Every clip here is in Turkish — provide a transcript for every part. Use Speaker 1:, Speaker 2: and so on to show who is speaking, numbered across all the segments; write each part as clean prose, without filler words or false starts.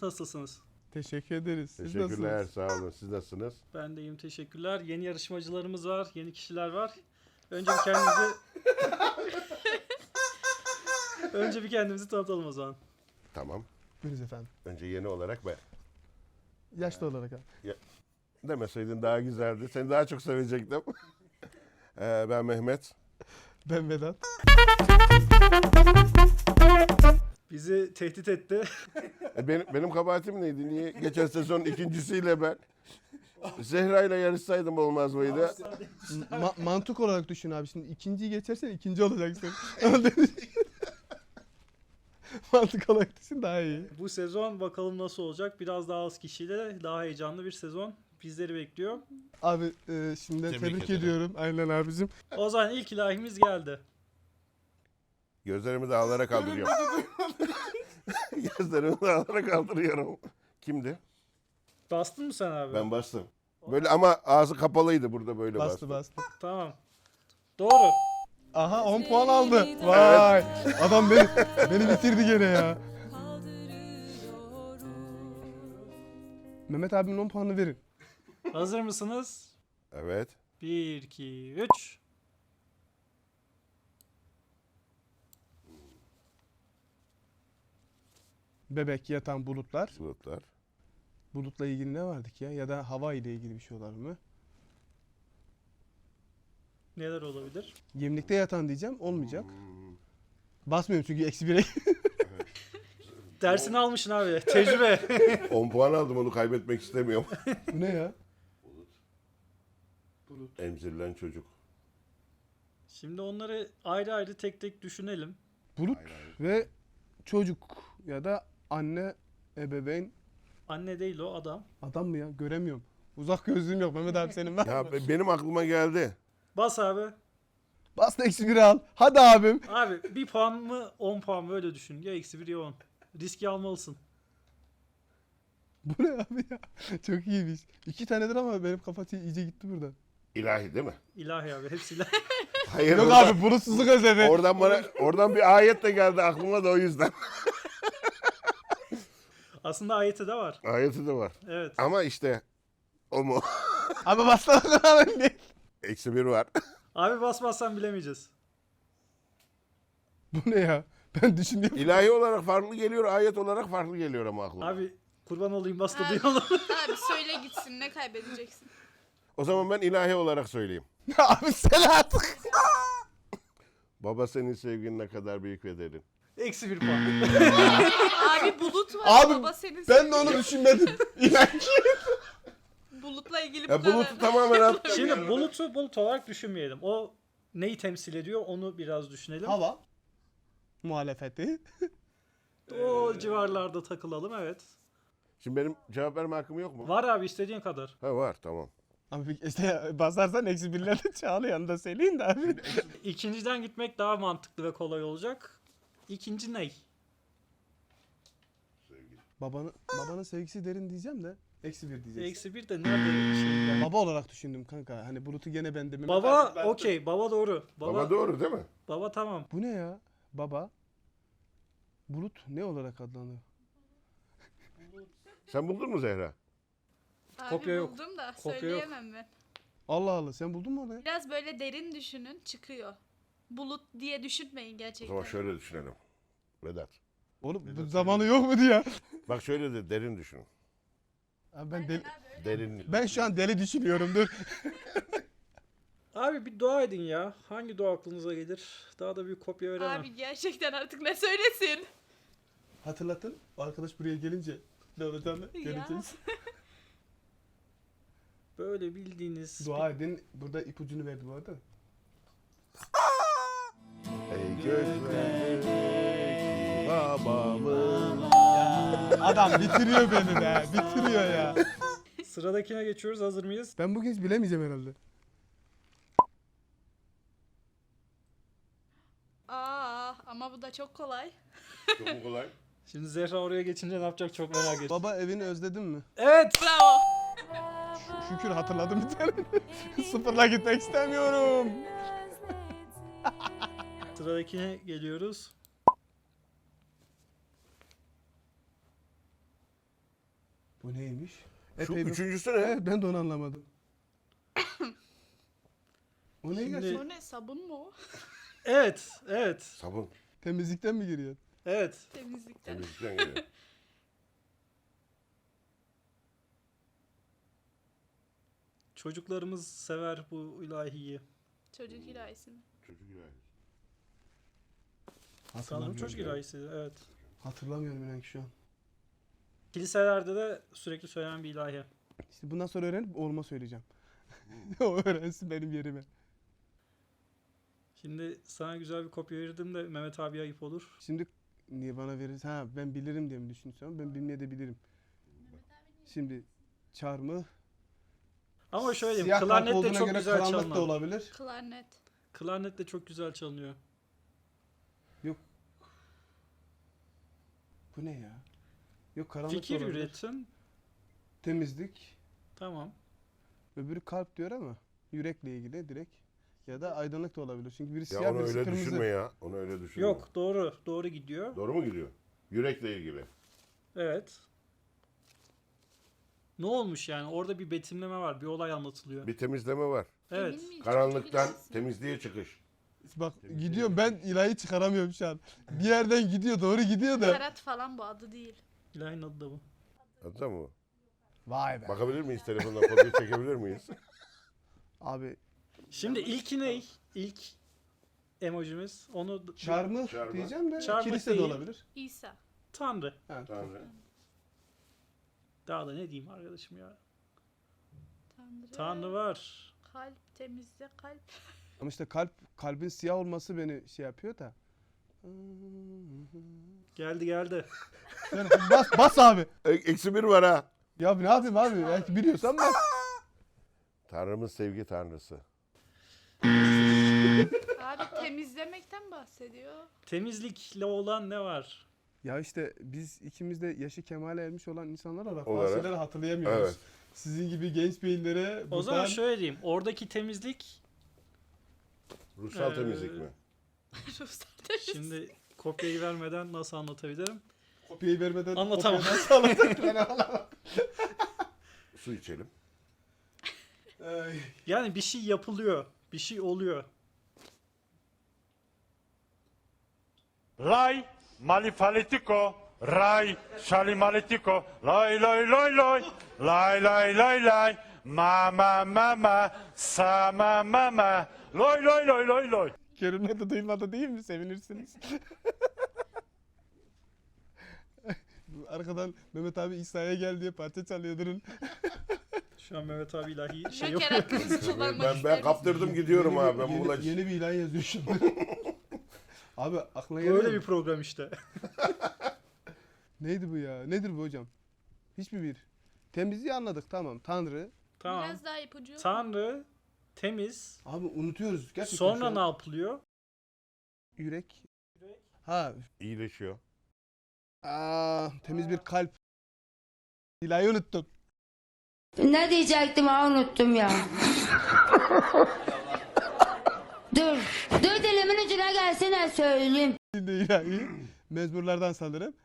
Speaker 1: Nasılsınız?
Speaker 2: Teşekkür ederiz. Siz
Speaker 3: Teşekkürler,
Speaker 2: nasılsınız?
Speaker 3: sağ olun. Siz nasılsınız?
Speaker 1: Ben de iyiyim, teşekkürler. Yeni yarışmacılarımız var, yeni kişiler var. Önce bir kendimizi... Önce bir kendimizi tanıtalım o zaman.
Speaker 3: Tamam.
Speaker 2: Buyuruz efendim.
Speaker 3: Önce yeni olarak ben.
Speaker 2: Yaşlı olarak abi.
Speaker 3: Demeseydin daha güzeldi. Seni daha çok sevecektim. Ben Mehmet.
Speaker 2: Ben Vedat.
Speaker 1: Bizi tehdit etti.
Speaker 3: Benim kabahatim neydi? Niye? Geçen sezonun ikincisiyle ben. Zehra ile yarışsaydım olmaz mıydı?
Speaker 2: Mantık olarak düşün abi. Şimdi ikinciyi geçersen ikinci olacaksın. Mantık olarak düşün daha iyi.
Speaker 1: Bu sezon bakalım nasıl olacak. Biraz daha az kişiyle daha heyecanlı bir sezon bizleri bekliyor.
Speaker 2: Abi şimdiden tebrik
Speaker 3: ederim.
Speaker 2: ediyorum. Aynen abicim.
Speaker 1: O zaman ilk ilahimiz geldi.
Speaker 3: Gözlerimi dağlara kaldırıyorum. Gözlerimi dağlara kaldırıyorum. Kimdi?
Speaker 1: Bastın mı sen abi?
Speaker 3: Ben bastım. Böyle ama ağzı kapalıydı burada böyle
Speaker 2: Bastı
Speaker 3: bastım.
Speaker 2: bastı.
Speaker 1: Tamam. Doğru.
Speaker 2: Aha 10 puan aldı. Vay. Adam beni bitirdi gene ya. Mehmet abimin 10 puanı verin.
Speaker 1: Hazır mısınız?
Speaker 3: Evet.
Speaker 1: 1, 2, 3.
Speaker 2: Bebek, yatan, bulutlar.
Speaker 3: Bulutlar.
Speaker 2: Bulutla ilgili ne vardık ya? Ya da hava ile ilgili bir şey olar mı?
Speaker 1: Neler olabilir?
Speaker 2: Gemlikte yatan diyeceğim. Olmayacak. Basmıyorum çünkü eksi 1'e.
Speaker 1: Dersini almışsın abi. Tecrübe.
Speaker 3: 10 puan aldım, onu kaybetmek istemiyorum.
Speaker 2: Bu ne ya?
Speaker 3: Emzirilen çocuk.
Speaker 1: Şimdi onları ayrı ayrı tek tek düşünelim.
Speaker 2: Bulut ve çocuk ya da anne, ebeveyn.
Speaker 1: Anne değil o adam.
Speaker 2: Adam mı ya? Göremiyorum. Uzak gözlüğüm yok Mehmet abi senin var.
Speaker 3: Ya benim aklıma geldi.
Speaker 1: Bas abi.
Speaker 2: Bas da eksi 1'i al. Hadi abim.
Speaker 1: Abi 1 puan mı 10 puan mı öyle düşün. Ya eksi 1 ya 10. Riski almalısın.
Speaker 2: Bu ne abi ya? Çok iyiymiş. 2 tanedir ama benim kafa iyice gitti burada.
Speaker 3: İlahi değil mi?
Speaker 1: İlahi abi hepsiyle.
Speaker 3: Hayır.
Speaker 2: Yok abi bulutsuzluk özlemi.
Speaker 3: Oradan bir ayet de geldi aklıma da o yüzden.
Speaker 1: Aslında ayeti de var.
Speaker 3: Ayeti de var.
Speaker 1: Evet.
Speaker 3: Ama işte o mu?
Speaker 2: Abi bastana kadar değil.
Speaker 3: Eksi 1 var.
Speaker 1: Abi basmazsan bilemeyeceğiz.
Speaker 2: Bu ne ya? Ben düşünüyorum.
Speaker 3: İlahi olarak farklı geliyor, ayet olarak farklı geliyor ama aklıma.
Speaker 1: Abi kurban olayım bas da
Speaker 4: Abi,
Speaker 1: duyalım.
Speaker 4: abi söyle gitsin, ne kaybedeceksin?
Speaker 3: O zaman ben ilahi olarak söyleyeyim.
Speaker 2: Abi sen artık.
Speaker 3: Baba senin sevgin ne kadar büyük ve derin.
Speaker 1: Eksi 1 puan.
Speaker 4: Abi bulut var,
Speaker 2: Abi,
Speaker 4: baba senin
Speaker 2: Ben de onu düşünmedim. İlahi.
Speaker 4: bulutla ilgili
Speaker 3: Ya bulutu tamamen attım.
Speaker 1: Şimdi bulutu bulut olarak düşünmeyelim. O neyi temsil ediyor onu biraz düşünelim.
Speaker 2: Hava. Muhalefeti.
Speaker 1: O civarlarda takılalım evet.
Speaker 3: Şimdi benim cevap verme hakkım yok mu?
Speaker 1: Var abi istediğin kadar.
Speaker 3: Ha var, tamam.
Speaker 2: Abi işte basarsan eksi 1'leri çağlı yanında söyleyin de abi.
Speaker 1: İkinciden gitmek daha mantıklı ve kolay olacak. İkinci ney?
Speaker 2: Babanın sevgisi derin diyeceğim de eksi 1 diyeceksin.
Speaker 1: Eksi 1 de nerede şeyde?
Speaker 2: Baba olarak düşündüm kanka. Hani Bulut'u gene ben de.
Speaker 1: Baba okey. Baba doğru.
Speaker 3: Baba doğru değil mi?
Speaker 1: Baba tamam.
Speaker 2: Bu ne ya? Baba. Bulut ne olarak adlanıyor?
Speaker 3: Sen buldun mu Zehra?
Speaker 4: Abi
Speaker 1: Kopya yok.
Speaker 4: buldum da
Speaker 1: Kopya yok.
Speaker 4: söyleyemem ben.
Speaker 2: Allah Allah sen buldun mu onu ya?
Speaker 4: Biraz böyle derin düşünün, çıkıyor. Bulut diye düşünmeyin
Speaker 3: O
Speaker 4: gerçekten.
Speaker 3: zaman şöyle düşünelim. Vedat.
Speaker 2: Oğlum bu zamanı yok mu diye.
Speaker 3: Bak şöyle de derin düşünün.
Speaker 2: Abi
Speaker 3: Derin.
Speaker 2: ben şu an deli düşünüyorum dur.
Speaker 1: Abi bir dua edin ya. Hangi dua aklınıza gelir? Daha da büyük kopya veremem.
Speaker 4: Abi gerçekten artık ne söylesin?
Speaker 2: Hatırlatın. O arkadaş buraya gelince ne olacağını göreceğiz.
Speaker 1: Böyle bildiğiniz...
Speaker 2: Dua edin. Burada ipucunu verdi bu arada.
Speaker 3: Ey göklerdeki babamın.
Speaker 2: Adam bitiriyor beni be. Bitiriyor ya.
Speaker 1: Sıradakine geçiyoruz. Hazır mıyız?
Speaker 2: Ben bugün hiç bilemeyeceğim herhalde.
Speaker 4: Ama bu da çok kolay.
Speaker 3: Çok kolay.
Speaker 1: Şimdi Zehra oraya geçince ne yapacak çok merak ediyorum.
Speaker 2: Baba evini özledin mi?
Speaker 1: Evet.
Speaker 4: Bravo.
Speaker 2: Şükür hatırladım bir tane. Sıfırla gitmek istemiyorum.
Speaker 1: Sıradakine geliyoruz.
Speaker 2: Bu neymiş?
Speaker 3: Şu
Speaker 2: Epey bir...
Speaker 3: üçüncüsü ne?
Speaker 2: Evet, ben de onu anlamadım. O ne
Speaker 1: Şimdi-
Speaker 2: gerçekten?
Speaker 4: O ne, sabun mu o?
Speaker 1: Evet, evet,
Speaker 3: Sabun.
Speaker 2: Temizlikten mi giriyor?
Speaker 1: evet.
Speaker 4: Temizlikten.
Speaker 3: Temizlikten geliyor.
Speaker 1: Çocuklarımız sever bu ilahiyi.
Speaker 4: Çocuk ilahisi mi?
Speaker 3: Çocuk ilahisi.
Speaker 1: Sanırım
Speaker 2: Hatırlamıyorum
Speaker 1: çocuk
Speaker 2: ya.
Speaker 1: ilahisi, evet.
Speaker 2: Hatırlamıyorum inan ki şu an.
Speaker 1: Kiliselerde de sürekli söylenen bir ilahi.
Speaker 2: İşte bundan sonra öğrenip oğluma söyleyeceğim. O öğrensin benim yerime.
Speaker 1: Şimdi sana güzel bir kopya verirdim de Mehmet abi ayıp olur.
Speaker 2: Şimdi niye bana verirsin? Ha, ben bilirim diye mi düşünüyorsun? Ama ben bilmeye de bilirim. Şimdi çarmıh.
Speaker 1: Ama şöyle diyeyim,
Speaker 2: Siyah kalp
Speaker 1: klarnet de
Speaker 2: olduğuna
Speaker 1: çok
Speaker 2: göre
Speaker 1: güzel
Speaker 2: karanlık da
Speaker 1: çalınıyor.
Speaker 2: olabilir.
Speaker 4: Klarnet.
Speaker 1: Klarnet de çok güzel çalınıyor.
Speaker 2: Bu ne ya? Yok karanlık da
Speaker 1: Fikir
Speaker 2: olabilir.
Speaker 1: üretin.
Speaker 2: Temizlik.
Speaker 1: Tamam.
Speaker 2: Öbürü kalp diyor ama yürekle ilgili direkt. Ya da aydınlık da olabilir. Çünkü birisi
Speaker 3: Ya
Speaker 2: siyah
Speaker 3: onu
Speaker 2: birisi
Speaker 3: öyle
Speaker 2: kırmızı.
Speaker 3: düşünme ya. Onu öyle düşünme.
Speaker 1: Yok, doğru. Doğru gidiyor.
Speaker 3: Doğru mu gidiyor? Yürekle ilgili.
Speaker 1: Evet. Ne olmuş yani? Orada bir betimleme var. Bir olay anlatılıyor.
Speaker 3: Bir temizleme var.
Speaker 1: Evet.
Speaker 4: Emin miyiz?
Speaker 3: Karanlıktan
Speaker 4: Çocuk ilahisi mi?
Speaker 3: temizliğe çıkış.
Speaker 2: Bak
Speaker 3: Temizliğe
Speaker 2: gidiyorum ben ilahi çıkaramıyorum şu an. Bir yerden gidiyor doğru gidiyor da.
Speaker 4: Karat falan bu, adı değil.
Speaker 1: İlahinin adı da bu.
Speaker 3: Anladın mı?
Speaker 2: Vay be.
Speaker 3: Bakabilir miyiz? Telefondan kopya çekebilir miyiz?
Speaker 2: Abi
Speaker 1: Şimdi ilki ne? İlk emojimiz. Onu
Speaker 2: çarmıh
Speaker 3: Çarmıh.
Speaker 2: diyeceğim de
Speaker 1: Çarmıh
Speaker 2: kilise de
Speaker 1: değil.
Speaker 2: olabilir.
Speaker 4: İsa.
Speaker 1: Tanrı.
Speaker 2: Ha.
Speaker 3: Tanrı.
Speaker 1: Daha da ne diyeyim arkadaşım ya.
Speaker 4: Tanrı.
Speaker 1: Tanrı var.
Speaker 4: Kalp, temizle kalp.
Speaker 2: Ama işte kalbin siyah olması beni şey yapıyor da.
Speaker 1: Geldi geldi.
Speaker 2: Sen bas abi.
Speaker 3: Eksi bir var ha.
Speaker 2: Ya ne yapayım abi? Belki biliyorsan bas.
Speaker 3: Tanrımız sevgi tanrısı.
Speaker 4: Abi temizlemekten bahsediyor.
Speaker 1: Temizlikle olan ne var?
Speaker 2: Ya işte biz ikimiz de yaşı kemale ermiş olan insanlar olarak
Speaker 3: Olarak.
Speaker 2: bazı şeyleri hatırlayamıyoruz.
Speaker 3: Evet.
Speaker 2: Sizin gibi genç beyinlere
Speaker 1: O zaman şöyle diyeyim. Oradaki temizlik
Speaker 3: Ruhsal temizlik mi?
Speaker 4: Ruhsal temizlik.
Speaker 1: şimdi kopyayı vermeden nasıl anlatabilirim?
Speaker 2: kopyayı vermeden
Speaker 1: Anlatamam.
Speaker 2: kopyadan sağladık.
Speaker 3: Su içelim.
Speaker 2: Ay.
Speaker 1: Yani bir şey yapılıyor. Bir şey oluyor.
Speaker 5: Laj malifalitiko, raj šalimaletiko, loj, loj, loj, loj, laj, laj, laj, laj, mama, mama, sama, mama, loj, loj, loj, loj, loj.
Speaker 2: Kerim'le de duymadı değil mi? Sevinirsiniz. Arkadan Mehmet abi İsa'ya gel diye parça çalıyor durun.
Speaker 1: Şu an Mehmet abi ilahi şey
Speaker 4: Joker
Speaker 1: yapıyor.
Speaker 4: hakkınızı kullanmak
Speaker 3: Ben
Speaker 4: ister misiniz?
Speaker 3: kaptırdım gidiyorum abi. Ben
Speaker 2: yeni,
Speaker 3: bulaş.
Speaker 2: yeni bir ilan yazıyor şu an. Abi aklına
Speaker 1: Böyle
Speaker 2: geliyor
Speaker 1: bir
Speaker 2: mu?
Speaker 1: program işte.
Speaker 2: Neydi bu ya? Nedir bu hocam? Hiçbir bir. Temizliği anladık tamam. Tanrı.
Speaker 1: Tamam.
Speaker 4: Biraz daha ipucu yok mu?
Speaker 1: Tanrı, temiz.
Speaker 2: Abi unutuyoruz. Gerçekten şu
Speaker 1: Sonra
Speaker 2: an.
Speaker 1: ne yapılıyor?
Speaker 2: Yürek. Ha.
Speaker 3: İyileşiyor.
Speaker 2: Temiz bir kalp. İlahi unuttum.
Speaker 6: Ne diyecektim ha unuttum ya. dur. Dur dilimin ucuna gelsene söyleyeyim.
Speaker 2: Şimdi ilahi. Mezmurlardan sanırım.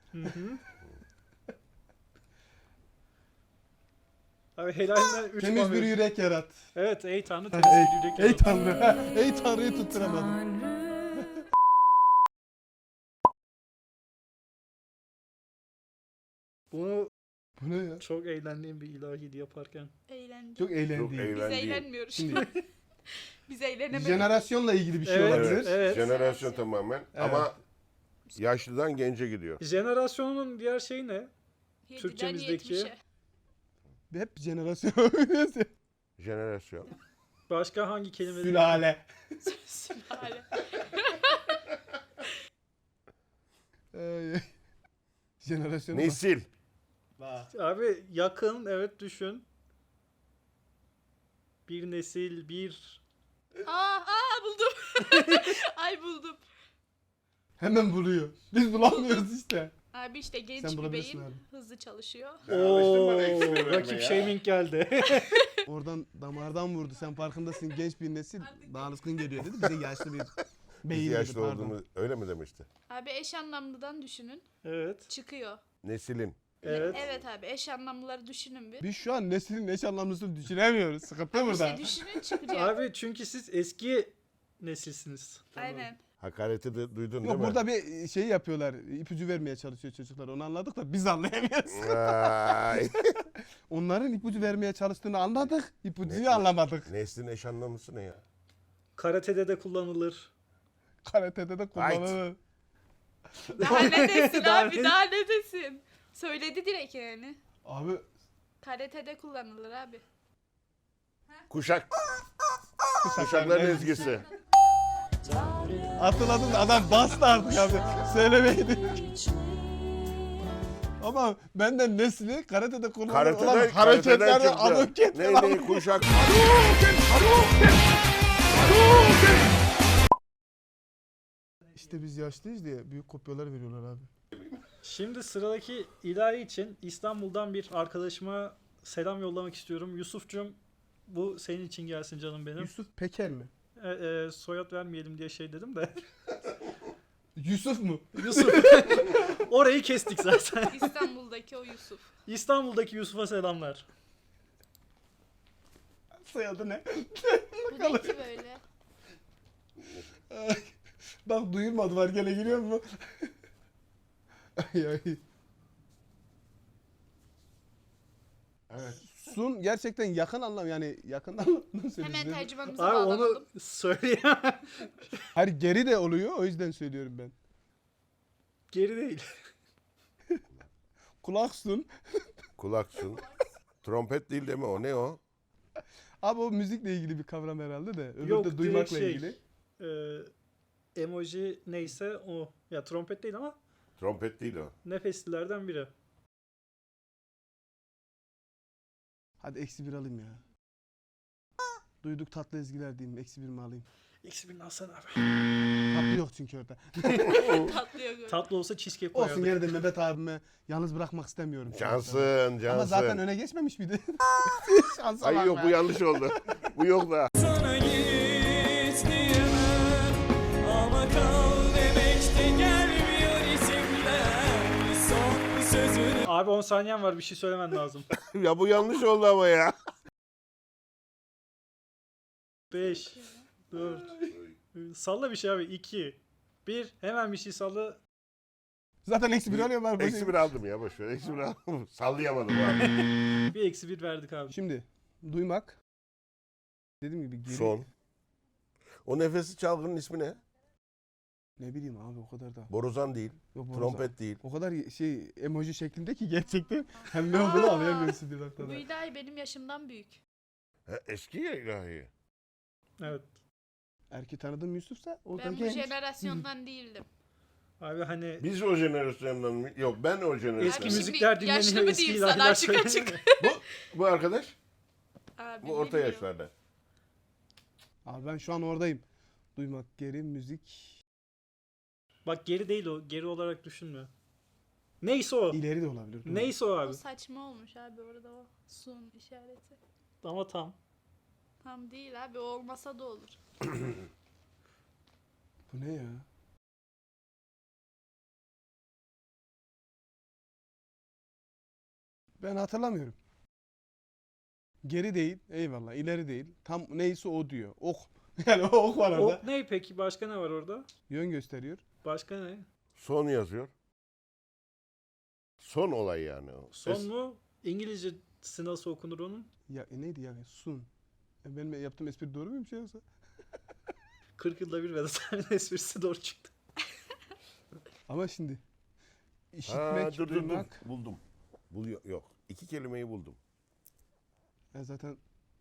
Speaker 1: Abi helalinden 3
Speaker 2: Temiz bir yürek yarat.
Speaker 1: Evet, ey Tanrı
Speaker 2: Ha,
Speaker 1: temiz bir yürek
Speaker 2: ey
Speaker 1: yarat.
Speaker 2: Tanrı. Ey Tanrı'yı tutturamadım.
Speaker 1: Bunu
Speaker 2: Bu ne ya?
Speaker 1: çok eğlendiğim bir ilahiydi yaparken.
Speaker 4: Eğlence.
Speaker 2: Çok
Speaker 3: Çok
Speaker 2: eğlendim.
Speaker 4: Biz
Speaker 3: eğlendiğim.
Speaker 4: eğlenmiyoruz.
Speaker 2: Şimdi
Speaker 4: Biz eğlenemedik.
Speaker 2: jenerasyonla ilgili bir şey
Speaker 1: Evet,
Speaker 2: olabilir.
Speaker 1: evet.
Speaker 3: Jenerasyon tamamen.
Speaker 2: Evet.
Speaker 3: Ama yaşlıdan gence gidiyor.
Speaker 1: Jenerasyonun diğer şeyi ne?
Speaker 4: 7'den
Speaker 1: Türkçemizdeki-
Speaker 4: 70'e.
Speaker 2: Hep jenerasyon.
Speaker 3: Jenerasyon.
Speaker 1: Başka hangi kelimeleri?
Speaker 2: Sülale.
Speaker 4: Sülale.
Speaker 2: Jenerasyon.
Speaker 3: Nesil.
Speaker 1: Abi yakın, evet düşün. Bir nesil, bir...
Speaker 4: Buldum. Ay buldum.
Speaker 2: Hemen buluyor. Biz bulamıyoruz işte.
Speaker 4: Abi işte genç
Speaker 2: Sen
Speaker 4: bir
Speaker 2: bulabilirsin
Speaker 4: beyin
Speaker 2: abi.
Speaker 4: hızlı çalışıyor.
Speaker 3: Alıştın bana eksi vermeye
Speaker 1: Rakip
Speaker 3: ya.
Speaker 1: shaming geldi.
Speaker 2: Oradan damardan vurdu. Sen farkındasın genç bir nesil. Daha alışkın geliyor dedi. Bize yaşlı bir
Speaker 3: Biz
Speaker 2: beyin dedi
Speaker 3: yaşlı
Speaker 2: pardon.
Speaker 3: olduğumu öyle mi demişti?
Speaker 4: Abi eş anlamlıdan düşünün.
Speaker 1: Evet.
Speaker 4: Çıkıyor.
Speaker 3: Neslin.
Speaker 1: Evet.
Speaker 4: Evet abi, eş anlamlıları düşünün bir.
Speaker 2: Biz şu an neslin eş anlamlısını düşünemiyoruz. Sıkıntı burada.
Speaker 4: İşte düşünün çıkacak.
Speaker 1: Abi çünkü siz eski nesilsiniz.
Speaker 4: Aynen.
Speaker 3: Hakareti de duydun değil
Speaker 2: Yok
Speaker 3: mi?
Speaker 2: burada bir şey yapıyorlar. İpucu vermeye çalışıyor çocuklar. Onu anladık da biz anlayamıyoruz.
Speaker 3: Ay.
Speaker 2: Onların ipucu vermeye çalıştığını anladık. İpucuyu
Speaker 3: Ne-
Speaker 2: anlamadık.
Speaker 3: Neslin eş anlamlısı ne ya?
Speaker 1: Karatede de kullanılır.
Speaker 2: Karatede de kullanılır.
Speaker 4: Daha ne desin
Speaker 1: Daha
Speaker 4: abi,
Speaker 1: ne-
Speaker 4: daha ne desin? Söyledi direkt yani.
Speaker 2: Abi
Speaker 4: Karatede kullanılır abi.
Speaker 3: Kuşak. Kuşakların ezgisi.
Speaker 2: hatırladım da adam bastı artık abi. Söylemeydi. Ama benden nesli karatede kullanılır olan
Speaker 3: Karateden
Speaker 2: hareketlerden adım
Speaker 3: çıktı.
Speaker 2: ketme
Speaker 3: Ne kuşak.
Speaker 2: İşte biz yaşlıyız diye büyük kopyalar veriyorlar abi.
Speaker 1: Şimdi sıradaki ilahi için İstanbul'dan bir arkadaşıma selam yollamak istiyorum. Yusuf'cum, bu senin için gelsin canım benim.
Speaker 2: Yusuf Peker mi?
Speaker 1: Soyad vermeyelim diye şey dedim de.
Speaker 2: Yusuf mu?
Speaker 1: Yusuf. Orayı kestik zaten.
Speaker 4: İstanbul'daki o Yusuf.
Speaker 1: İstanbul'daki Yusuf'a selamlar.
Speaker 2: Soyadı ne?
Speaker 4: Bu ne ki böyle?
Speaker 2: Bak duyulmadı var gene giriyor mu? Ay ay.
Speaker 3: Evet.
Speaker 2: Sun gerçekten yakın anlam yani yakın anlamını söylüyoruz.
Speaker 4: Hemen tercümanımıza
Speaker 1: Abi
Speaker 4: bağlanalım.
Speaker 1: onu söyleyemem.
Speaker 2: Hayır geri de oluyor o yüzden söylüyorum ben.
Speaker 1: Geri değil.
Speaker 2: Kulak sun.
Speaker 3: Kulaksun. Trompet değil mi o? Ne o?
Speaker 2: Abi o müzikle ilgili bir kavram herhalde de. Öbürü
Speaker 1: Yok,
Speaker 2: de
Speaker 1: direkt
Speaker 2: duymakla
Speaker 1: şey.
Speaker 2: ilgili.
Speaker 1: Emoji neyse o. Ya trompet değil ama
Speaker 3: Trompet değil o.
Speaker 1: nefeslilerden biri.
Speaker 2: Hadi -1 alayım ya. Duyduk tatlı ezgiler diyeyim. -1 mi alayım?
Speaker 1: Eksi alsana abi.
Speaker 2: Tatlı yok çünkü orada.
Speaker 4: Tatlıyor böyle.
Speaker 1: Tatlı olsa cheesecake
Speaker 2: Olsun
Speaker 1: koyardık.
Speaker 2: gene de Mehmet abime yalnız bırakmak istemiyorum.
Speaker 3: Cansın,
Speaker 2: Ama
Speaker 3: cansın.
Speaker 2: zaten öne geçmemiş miydi? Şansa
Speaker 3: Ay
Speaker 2: bak
Speaker 3: yok
Speaker 2: be.
Speaker 3: bu yanlış oldu. Bu yok da.
Speaker 7: Sana git diyemem ama kal demek de gelmiyor içimden. Son sözünü
Speaker 1: Abi 10 saniyen var, bir şey söylemen lazım.
Speaker 3: Ya bu yanlış oldu ama ya.
Speaker 1: 5 4 Salla bir şey abi. 2 1 Hemen bir şey salla.
Speaker 2: Zaten -1 alıyorum ben.
Speaker 3: -1 aldım ya boş ver. -1 aldım. Sallayamadım abi.
Speaker 1: Bir -1 verdik abi.
Speaker 2: Şimdi duymak. Dediğim gibi geri.
Speaker 3: Son. O nefesi çalgının ismi ne?
Speaker 2: Ne bileyim abi o kadar da.
Speaker 3: Borazan değil.
Speaker 2: Yok, borazan.
Speaker 3: Trompet değil.
Speaker 2: O kadar şey emoji şeklinde ki gerçekten hem ne olduğunu anlayamıyorsun bir
Speaker 4: Bu
Speaker 2: noktada.
Speaker 4: ilahi benim yaşımdan büyük.
Speaker 3: Ha, eski ya ilahi.
Speaker 1: Evet.
Speaker 2: Erki tanıdığım Yusuf'sa o da
Speaker 4: Ben bu
Speaker 2: genç.
Speaker 4: jenerasyondan değildim.
Speaker 1: Abi hani
Speaker 3: Biz o jenerasyondan mı? Yok ben o jenerasyondan.
Speaker 1: eski
Speaker 4: Abi şimdi
Speaker 1: müzikler
Speaker 4: yaşlı
Speaker 1: dinleniyor,
Speaker 4: mı
Speaker 1: eski
Speaker 4: değil sana
Speaker 1: ilahiler
Speaker 4: açık açık.
Speaker 1: söyleniyor.
Speaker 3: Bu arkadaş
Speaker 4: Abi,
Speaker 3: bu orta
Speaker 4: bilmiyorum.
Speaker 3: yaşlarda.
Speaker 2: Abi ben şu an oradayım. Duymak geri müzik.
Speaker 1: Bak geri değil o. Geri olarak düşünme. Neyse o.
Speaker 2: İleri de olabilir. doğru.
Speaker 1: Neyse o
Speaker 4: O
Speaker 1: abi.
Speaker 4: saçma olmuş abi orada o sun işareti.
Speaker 1: Ama tam.
Speaker 4: Tam değil abi, o olmasa da olur.
Speaker 2: Bu ne ya? Ben hatırlamıyorum. Geri değil, eyvallah. İleri değil. Tam neyse o diyor. Ok. Yani o ok var orada.
Speaker 1: O ne peki? Başka ne var orada?
Speaker 2: Yön gösteriyor.
Speaker 1: Başka ne?
Speaker 3: Son yazıyor. Son olay yani o.
Speaker 1: Son mu? İngilizcesi nasıl okunur onun?
Speaker 2: Ya neydi ya? Sun. Benim yaptığım espri doğru muymuş ya yoksa?
Speaker 1: 40 yılda bir Vedat Sarı'nın esprisi doğru çıktı.
Speaker 2: Ama şimdi
Speaker 3: Ha,
Speaker 2: işitmek,
Speaker 3: dur.
Speaker 2: duymak.
Speaker 3: Buldum. Yok. İki kelimeyi buldum.
Speaker 2: Ya zaten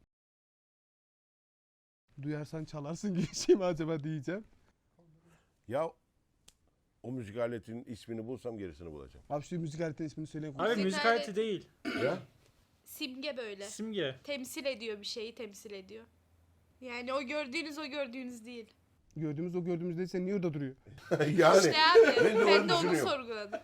Speaker 2: duyarsan çalarsın gibi şey mi acaba diyeceğim.
Speaker 3: Ya o müzik aletinin ismini bulsam gerisini bulacağım.
Speaker 2: Abi şu müzik aletinin ismini söyleyin.
Speaker 1: Abi
Speaker 4: Müzik
Speaker 1: müzik
Speaker 4: aleti
Speaker 1: aleti değil.
Speaker 3: Ya
Speaker 4: Simge böyle.
Speaker 1: Simge.
Speaker 4: Temsil ediyor, bir şeyi temsil ediyor. Yani o gördüğünüz değil.
Speaker 2: Gördüğümüz o gördüğümüz değilse niye orada duruyor?
Speaker 3: yani
Speaker 4: İşte abi
Speaker 3: ben de
Speaker 4: ben
Speaker 3: onu
Speaker 4: de onu
Speaker 3: düşünüyorum.
Speaker 4: sorguladım.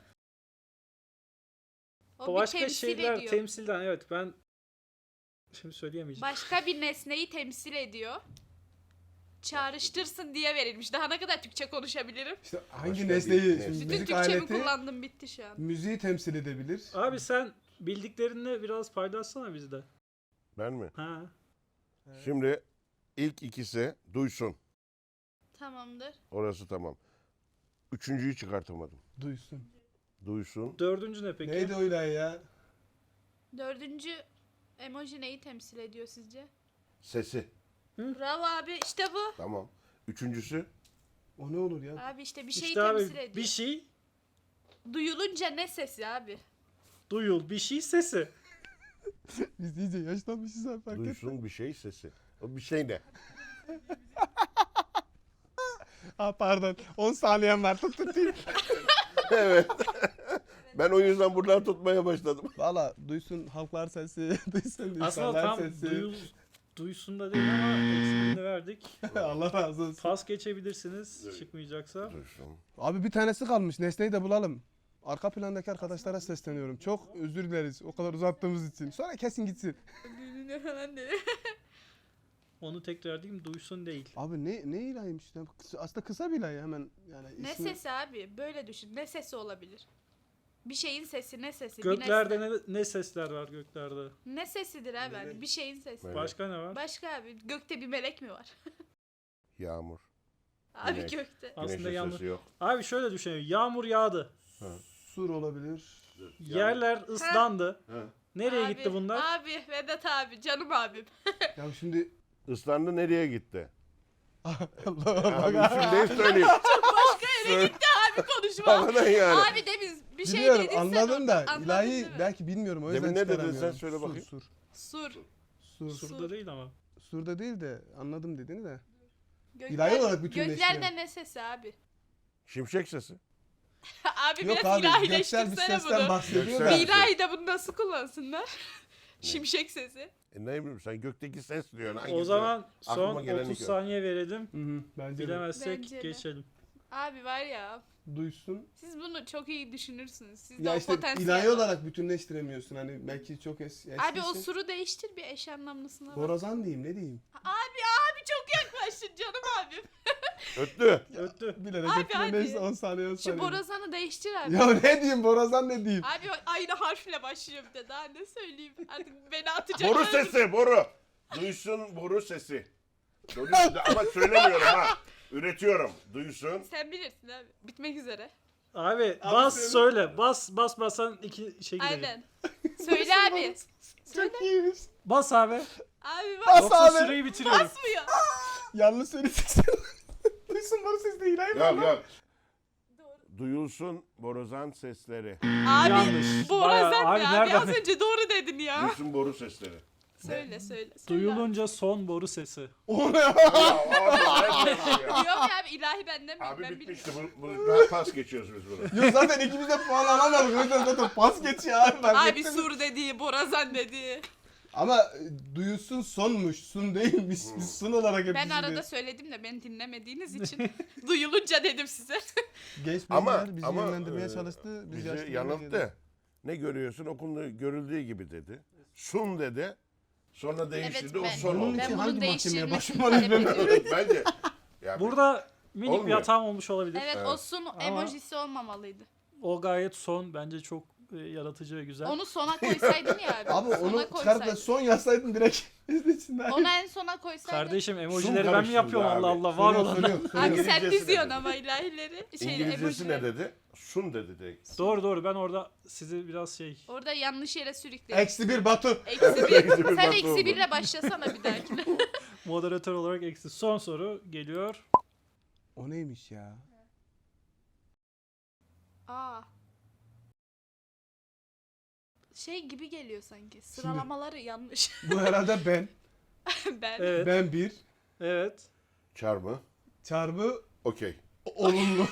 Speaker 4: O bir
Speaker 1: Başka
Speaker 4: temsil
Speaker 1: şeyler
Speaker 4: ediyor.
Speaker 1: temsilden, evet, ben şimdi söyleyemeyeceğim.
Speaker 4: Başka bir nesneyi temsil ediyor. çağrıştırsın diye verilmiş. Daha ne kadar Türkçe konuşabilirim?
Speaker 2: İşte hangi
Speaker 3: Başka
Speaker 2: nesneyi,
Speaker 3: bir
Speaker 2: şimdi
Speaker 3: nesne.
Speaker 4: Bütün
Speaker 2: müzik
Speaker 4: Türkçemi
Speaker 2: aleti
Speaker 4: kullandım, bitti şu an.
Speaker 2: müziği temsil edebilir.
Speaker 1: Abi sen bildiklerini biraz paylaşsana bizde.
Speaker 3: Ben mi?
Speaker 1: Ha.
Speaker 3: Şimdi ilk ikisi duysun.
Speaker 4: Tamamdır.
Speaker 3: Orası tamam. Üçüncüyü çıkartamadım.
Speaker 2: Duysun.
Speaker 3: Duysun.
Speaker 1: Dördüncü ne peki?
Speaker 2: Neydi o ilahi ya?
Speaker 4: Dördüncü emoji neyi temsil ediyor sizce?
Speaker 3: Sesi.
Speaker 4: Bravo abi, işte bu.
Speaker 3: Tamam. Üçüncüsü.
Speaker 2: O ne olur ya?
Speaker 4: Abi işte bir şeyi
Speaker 1: İşte abi
Speaker 4: temsil ediyor.
Speaker 1: bir şey
Speaker 4: Duyulunca ne sesi abi?
Speaker 1: duyul, bir şey sesi.
Speaker 2: Biz iyice yaşlanmışız abi fark etme.
Speaker 3: Duysun bir şey sesi. O bir şey ne?
Speaker 2: Pardon 10 saniyem var tutayım.
Speaker 3: Evet. Ben o yüzden buradan tutmaya başladım.
Speaker 2: Valla duysun halklar sesi, duysun
Speaker 1: Aslında
Speaker 2: insanlar
Speaker 1: tam
Speaker 2: sesi.
Speaker 1: duysun da değil ama eksiğini verdik.
Speaker 2: Allah razı olsun.
Speaker 1: Pas geçebilirsiniz çıkmayacaksa.
Speaker 3: Duysun.
Speaker 2: Abi bir tanesi kalmış. Nesneyi de bulalım. Arka plandaki arkadaşlara sesleniyorum. Çok özür dileriz o kadar uzattığımız için. Sonra kesin gitsin.
Speaker 4: Ne falan dedi.
Speaker 1: Onu tekrar diyeyim, duysun değil.
Speaker 2: Abi ne ilahiymiş ya? Aslında kısa bir ilahi hemen yani
Speaker 4: Ne
Speaker 2: ismi-
Speaker 4: sesi abi? Böyle düşün. Ne sesi olabilir? Bir şeyin sesi, ne sesi?
Speaker 1: Göklerde
Speaker 4: bir nesne.
Speaker 1: ne sesler var göklerde?
Speaker 4: Ne sesidir abi? Hani bir şeyin sesi.
Speaker 3: Melek.
Speaker 1: Başka ne var?
Speaker 4: Başka abi, gökte bir melek mi var?
Speaker 3: Yağmur.
Speaker 4: Abi
Speaker 3: Güneş.
Speaker 4: gökte.
Speaker 1: Aslında
Speaker 3: Güneşin
Speaker 1: yağmur.
Speaker 3: sesi yok.
Speaker 1: Abi şöyle düşünelim. Yağmur yağdı.
Speaker 2: Sur olabilir.
Speaker 1: Yerler ıslandı.
Speaker 3: Ha.
Speaker 1: Nereye
Speaker 4: Abi,
Speaker 1: gitti bunlar?
Speaker 4: Abi, Vedat abi, canım abim.
Speaker 2: Ya şimdi
Speaker 3: Islandı nereye gitti?
Speaker 2: Allah
Speaker 3: Abi
Speaker 2: Allah.
Speaker 3: şimdi ne söyleyeyim?
Speaker 4: Başka yere gitti abi konuşma.
Speaker 3: Havadan yani.
Speaker 4: Abi demin bir şey
Speaker 2: Biliyorum
Speaker 4: dedin sen
Speaker 2: anladım
Speaker 4: orada.
Speaker 2: da
Speaker 4: Anladın
Speaker 2: ilahi
Speaker 4: değil mi?
Speaker 2: belki bilmiyorum o yüzden
Speaker 3: Demin ne dedin
Speaker 2: çıkaramıyorum.
Speaker 3: sen? Söyle bakayım.
Speaker 2: Sur.
Speaker 4: Sur.
Speaker 1: Surda değil ama.
Speaker 2: Sur'da değil de anladım dediğini de.
Speaker 4: Gökler,
Speaker 2: İlahi olarak bütünleştiren.
Speaker 4: göklerde ne sesi abi?
Speaker 3: Şimşek sesi.
Speaker 4: Abi
Speaker 2: Yok
Speaker 4: biraz
Speaker 2: abi göksel bir
Speaker 4: ilahileştirsene
Speaker 2: sesten
Speaker 4: bunu.
Speaker 2: bahsediyor
Speaker 3: Göksel.
Speaker 2: da.
Speaker 4: Bir ilahi de bunu nasıl kullansınlar? Şimşek sesi.
Speaker 3: Ne bileyim sen gökteki ses diyorsun.
Speaker 1: O
Speaker 3: Hangisi?
Speaker 1: zaman son
Speaker 3: Aklıma geleni
Speaker 1: 30
Speaker 3: gör.
Speaker 1: saniye verelim.
Speaker 2: Hı hı, bence de.
Speaker 1: Bilemezsek
Speaker 4: Bence de.
Speaker 1: geçelim.
Speaker 4: Abi var ya,
Speaker 2: Duysun.
Speaker 4: siz bunu çok iyi düşünürsünüz. Sizde
Speaker 2: Ya
Speaker 4: o
Speaker 2: işte
Speaker 4: potansiyel
Speaker 2: ilahi
Speaker 4: var.
Speaker 2: olarak bütünleştiremiyorsun hani belki çok eskisi.
Speaker 4: Abi o suru değiştir, bir eş anlamlısına bak.
Speaker 2: Borazan diyeyim ne diyeyim.
Speaker 4: Abi çok yaklaştın canım abim.
Speaker 3: Öttü.
Speaker 1: Öttü.
Speaker 2: Bilerek
Speaker 4: Abi,
Speaker 2: hepsine
Speaker 4: hadi.
Speaker 2: neyse 10 saniye 10
Speaker 4: Şu
Speaker 2: saniye.
Speaker 4: borazanı değiştir abi.
Speaker 2: Ya ne diyeyim borazan ne diyeyim.
Speaker 4: Abi aynı harfle başlıyor bir de, daha ne söyleyeyim. Artık beni atacaklar.
Speaker 3: Boru sesi boru. Duysun boru sesi. Duysun ama söylemiyorum ha. Üretiyorum. Duysun.
Speaker 4: Sen bilirsin abi. Bitmek üzere.
Speaker 1: Abi bas
Speaker 2: söyle.
Speaker 1: söyle. Bas basan iki şey gidecek.
Speaker 4: Aynen. Söyle abi. Söyle.
Speaker 2: Çok iyiymiş.
Speaker 1: Bas abi.
Speaker 4: Abi bak.
Speaker 2: Bas
Speaker 1: Yoksa
Speaker 2: abi.
Speaker 1: süreyi bitiriyorum.
Speaker 4: Basmıyor.
Speaker 2: Yanlış söyledin. Duysun boru sesi değil hayır
Speaker 3: Yok
Speaker 2: mı?
Speaker 3: yok. Duyulsun borazan sesleri.
Speaker 4: Abi
Speaker 1: Yanlış.
Speaker 4: borazan
Speaker 1: Bayağı-
Speaker 4: ne
Speaker 1: abi
Speaker 4: abi?
Speaker 1: nereden-
Speaker 4: Az önce doğru dedin ya.
Speaker 3: Duysun boru sesleri.
Speaker 4: Söyle.
Speaker 1: Duyulunca son boru sesi.
Speaker 2: O ne?
Speaker 3: Ya abi,
Speaker 4: Yok ya abi, ilahi benden mi?
Speaker 3: abi
Speaker 4: Ben
Speaker 3: bitmişti.
Speaker 4: bilmiyorum.
Speaker 3: Bunu pas geçiyoruz biz bunu.
Speaker 2: Yok zaten ikimiz de puan alamadık. O yüzden zaten pas geçiyor abi. fark
Speaker 4: Abi
Speaker 2: ettin mi?
Speaker 4: sur dediği, borazan dediği.
Speaker 2: Ama duyulsun sonmuş. Sun değilmiş. Biz sun olarak hep
Speaker 4: Ben arada
Speaker 2: düşünüyoruz.
Speaker 4: söyledim de beni dinlemediğiniz için duyulunca dedim size.
Speaker 2: Genç
Speaker 3: Ama
Speaker 2: bilgiler bizi
Speaker 3: ama
Speaker 2: yönlendirmeye
Speaker 3: e,
Speaker 2: çalıştı. Biz
Speaker 3: bizi
Speaker 2: yaşlı
Speaker 3: yanılttı. Ne görüyorsun? Okunduğu, görüldüğü gibi dedi. Sun dedi. Sonra değiştirdi.
Speaker 4: ben-
Speaker 3: o son
Speaker 2: Bunun
Speaker 3: oldu.
Speaker 2: için
Speaker 4: bunun
Speaker 2: hangi mahkemeye
Speaker 4: değiştirilmesini
Speaker 2: başvurmalıyız
Speaker 4: talep
Speaker 2: ben?
Speaker 4: ediyorum.
Speaker 3: Bence. Ya
Speaker 1: Burada minik bir
Speaker 3: Olmuyor.
Speaker 1: hatam olmuş olabilir.
Speaker 4: Evet,
Speaker 3: Evet.
Speaker 4: o sun emojisi olmamalıydı.
Speaker 1: O gayet son. Bence çok yaratıcı ve güzel.
Speaker 4: Onu sona koysaydın ya abi.
Speaker 2: Abi
Speaker 4: Sona
Speaker 2: onu çıkarıp da
Speaker 4: koysaydın.
Speaker 2: son yazsaydın direkt izlesinler.
Speaker 4: Onu en sona koysaydın.
Speaker 1: Kardeşim
Speaker 3: Sun
Speaker 1: emojileri ben mi
Speaker 3: karıştırdı
Speaker 1: yapıyorum
Speaker 3: abi.
Speaker 1: Allah Allah var olan.
Speaker 4: Abi sen
Speaker 3: İngilizcesi
Speaker 4: diziyorsun
Speaker 3: ne
Speaker 4: ama ilahileri.
Speaker 3: İngilizcesi ne
Speaker 4: emojileri.
Speaker 3: dedi? Sun dedi direkt.
Speaker 1: Doğru ben orada sizi biraz şey.
Speaker 4: Orada yanlış yere sürükledin.
Speaker 2: -1 Batu.
Speaker 4: Eksi
Speaker 3: Eksi
Speaker 4: bir.
Speaker 3: bir
Speaker 4: Sen
Speaker 3: bak
Speaker 4: eksi
Speaker 3: oldu.
Speaker 4: birle başlasana bir dahakine.
Speaker 1: Moderatör olarak eksi. Son soru geliyor.
Speaker 2: O neymiş ya?
Speaker 4: Aa. Şey gibi geliyor sanki. Sıralamaları yanlış.
Speaker 2: Bu herhalde ben.
Speaker 4: Ben.
Speaker 1: Evet.
Speaker 2: Ben 1.
Speaker 1: Evet.
Speaker 3: Çarmı.
Speaker 2: Çarpı
Speaker 3: Okey.
Speaker 2: olumlu.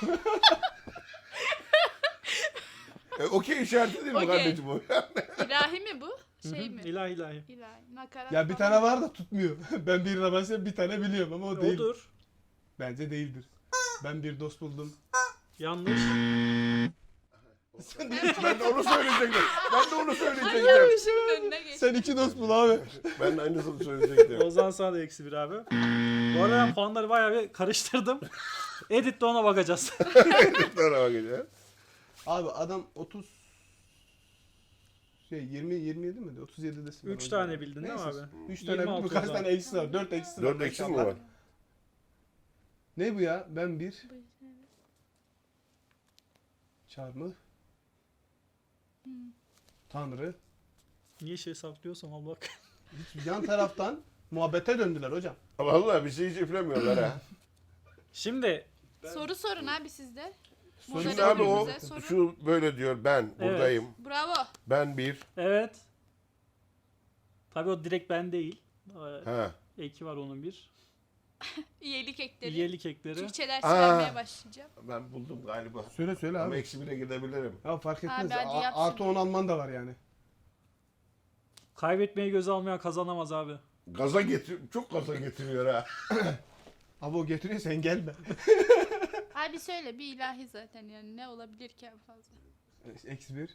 Speaker 3: Okey işareti değil mi
Speaker 4: Okey.
Speaker 3: kardeşim bu?
Speaker 4: İlahi mi bu? Şey mi?
Speaker 1: İlahi.
Speaker 4: İlahi. Nakarat
Speaker 2: Ya bir
Speaker 4: falan.
Speaker 2: tane var da tutmuyor. Ben birine başlayıp bir tane biliyorum ama o değil.
Speaker 1: Odur.
Speaker 2: Bence değildir. Ben bir dost buldum.
Speaker 1: Yanlış.
Speaker 3: Ben de onu söyleyecektim.
Speaker 4: Önüne geç.
Speaker 2: Sen iki dost bul abi.
Speaker 3: Ben de aynısını söyleyecektim.
Speaker 1: O zaman sana da eksi 1 abi. Bu arada ben puanları bayağı bir karıştırdım. Editte ona bakacağız.
Speaker 3: Sonra bakacağız.
Speaker 2: Abi adam 27 mi? 37 desin.
Speaker 1: 3 tane bildin değil mi abi?
Speaker 2: 3 tane
Speaker 1: 26
Speaker 2: bildin. Kaç
Speaker 1: o
Speaker 2: tane
Speaker 1: zaman.
Speaker 2: eksi var? 4 eksi var.
Speaker 3: 4 eksi mi var?
Speaker 2: Ne bu ya? Ben bir. Çarmıh. Tanrı.
Speaker 1: Niye şey saklıyorsam al bak.
Speaker 2: Hiç yan taraftan muhabbete döndüler hocam.
Speaker 3: Vallahi bir şey hiç üflemiyorlar ha.
Speaker 1: Şimdi
Speaker 4: Soru sorun abi sizde.
Speaker 3: Şimdi abi o
Speaker 4: Moderatörümüze soru.
Speaker 3: şu böyle diyor ben buradayım.
Speaker 4: Bravo.
Speaker 3: Ben bir.
Speaker 1: evet. Tabii o direkt ben değil.
Speaker 3: Ha.
Speaker 1: Eki var onun bir.
Speaker 4: İyilik ekleri.
Speaker 1: Üyelik ekleri.
Speaker 4: Türkçe dersi
Speaker 3: Aa.
Speaker 4: vermeye başlayacağım.
Speaker 3: Ben buldum galiba.
Speaker 2: Söyle
Speaker 3: Ama
Speaker 2: abi.
Speaker 3: eksi bire gidebilirim.
Speaker 2: Ya fark etmez.
Speaker 4: Abi hadi yap
Speaker 2: Artı
Speaker 4: şimdi.
Speaker 2: 10 alman da var yani.
Speaker 1: Kaybetmeyi göze almayan kazanamaz abi.
Speaker 3: Çok gaza getiriyor ha.
Speaker 2: Abi o getiriyor sen gelme.
Speaker 4: Abi söyle bir ilahi zaten yani ne olabilir ki en fazla.
Speaker 2: Eksi 1.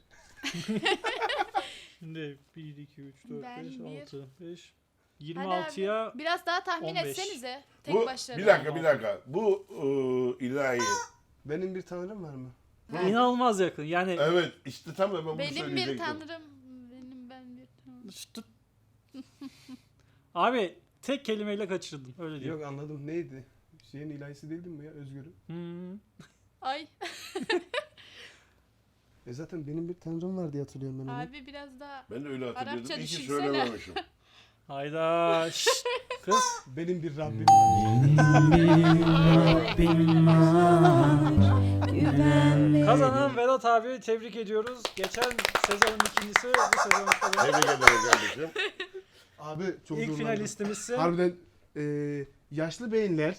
Speaker 1: Şimdi 1, 2, 3, 4,
Speaker 4: Ben
Speaker 1: 5,
Speaker 4: bir.
Speaker 1: 6, 5.
Speaker 4: Hadi
Speaker 1: 26'ya
Speaker 4: abi, biraz daha tahmin
Speaker 1: 15.
Speaker 4: etsenize. Tek
Speaker 3: Bu
Speaker 4: başlarına.
Speaker 3: bir dakika. Bu ilahi.
Speaker 2: Benim bir tanrım var mı?
Speaker 1: inanılmaz yakın. Yani
Speaker 3: Evet işte tam da ben bunu
Speaker 4: Benim bir
Speaker 3: söyleyecektim.
Speaker 4: tanrım. Ben bir tanrım.
Speaker 1: Şşt. Abi tek kelimeyle kaçırdın. Öyle diyor.
Speaker 2: Yok anladım. Neydi? Şeyin ilahisi değildin mi ya? Özgür'ün.
Speaker 1: Hmm.
Speaker 4: Ay
Speaker 2: Zaten benim bir tanrım var diye hatırlıyorum ben onu.
Speaker 4: abi biraz daha.
Speaker 3: Ben de öyle hatırlıyordum.
Speaker 4: Arapça
Speaker 3: İyi ki
Speaker 4: düşünsene.
Speaker 3: söylememişim.
Speaker 1: Hayda. Şşt. Kız.
Speaker 2: Benim bir Rabbim var.
Speaker 1: Kazanan Vedat abi tebrik ediyoruz. Geçen sezonun ikincisi, bu sezonun da
Speaker 3: Tebrik ederim kardeşim.
Speaker 2: Abi çok
Speaker 1: ilk
Speaker 2: zorlandım.
Speaker 1: finalistimizsin.
Speaker 2: Harbiden yaşlı beyinler.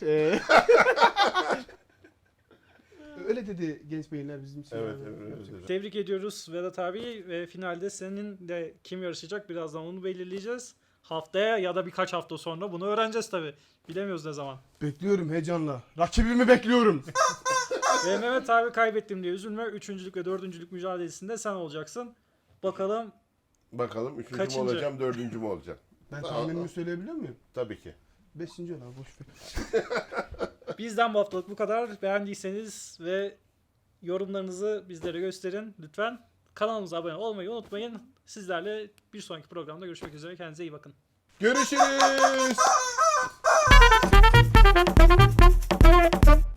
Speaker 2: Öyle dedi genç beyinler bizim için.
Speaker 3: Evet,
Speaker 2: abi.
Speaker 3: evet.
Speaker 1: Tebrik ediyoruz Vedat abi ve finalde senin de kim yarışacak birazdan onu belirleyeceğiz. Haftaya ya da birkaç hafta sonra bunu öğreneceğiz tabi. Bilemiyoruz ne zaman.
Speaker 2: Bekliyorum heyecanla. Rakibimi bekliyorum.
Speaker 1: Ve Mehmet abi kaybettim diye üzülme. Üçüncülük ve dördüncülük mücadelesinde sen olacaksın. Bakalım.
Speaker 3: Bakalım üçüncü
Speaker 1: Kaçıncı?
Speaker 3: mü olacağım, dördüncü mü olacağım?
Speaker 2: Ben tahminimi söyleyebiliyor muyum?
Speaker 3: Tabii ki.
Speaker 2: 5. olan boş ver.
Speaker 1: Bizden bu haftalık bu kadar. Beğendiyseniz ve yorumlarınızı bizlere gösterin lütfen. Kanalımıza abone olmayı unutmayın. Sizlerle bir sonraki programda görüşmek üzere. Kendinize iyi bakın.
Speaker 2: Görüşürüz.